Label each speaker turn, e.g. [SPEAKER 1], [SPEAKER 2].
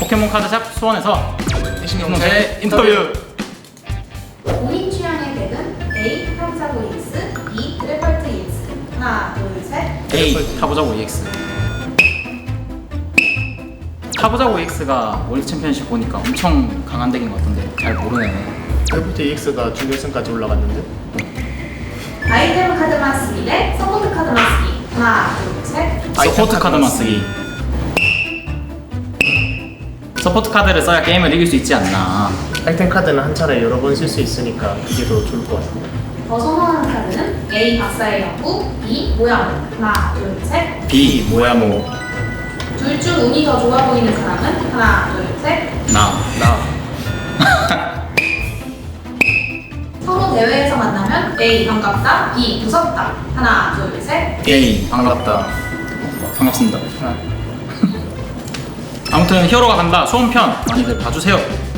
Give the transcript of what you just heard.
[SPEAKER 1] 포켓몬 카드샵 수원에서 신동재 인터뷰.
[SPEAKER 2] 본인 취향의 덱은 A. 타부자고 EX, B. 드래펄트 EX. 하나, 둘, 셋.
[SPEAKER 1] A 타보자고 EX. 타보자고 EX가 월드 챔피언십 보니까 엄청 강한 덱인 것 같던데 잘 모르네.
[SPEAKER 3] 드래프트 EX가 준결승까지 올라갔는데
[SPEAKER 2] 아이템 카드만 쓰기 대 서포트 카드만 쓰기. 하나, 둘, 셋.
[SPEAKER 1] 서포트 카드만 쓰기. 서포트 카드를 써야 게임을 이길 수 있지 않나.
[SPEAKER 3] 아이템 카드는 한 차례 여러 번 쓸 수 있으니까 그게 더 좋을 것 같아요.
[SPEAKER 2] 더 선호하는 카드는 A. 박사의 연구, B. 모양. 하나, 둘, 셋.
[SPEAKER 1] B 모야모.
[SPEAKER 2] 둘 중 운이 더 좋아 보이는 사람은 하나, 둘, 셋.
[SPEAKER 1] 나.
[SPEAKER 2] 서로 대회에서 만나면 A. 반갑다, B. 무섭다. 하나, 둘, 셋.
[SPEAKER 1] A 반갑다. 반갑습니다. 아무튼 히어로가 간다 수원편 많이들 봐주세요.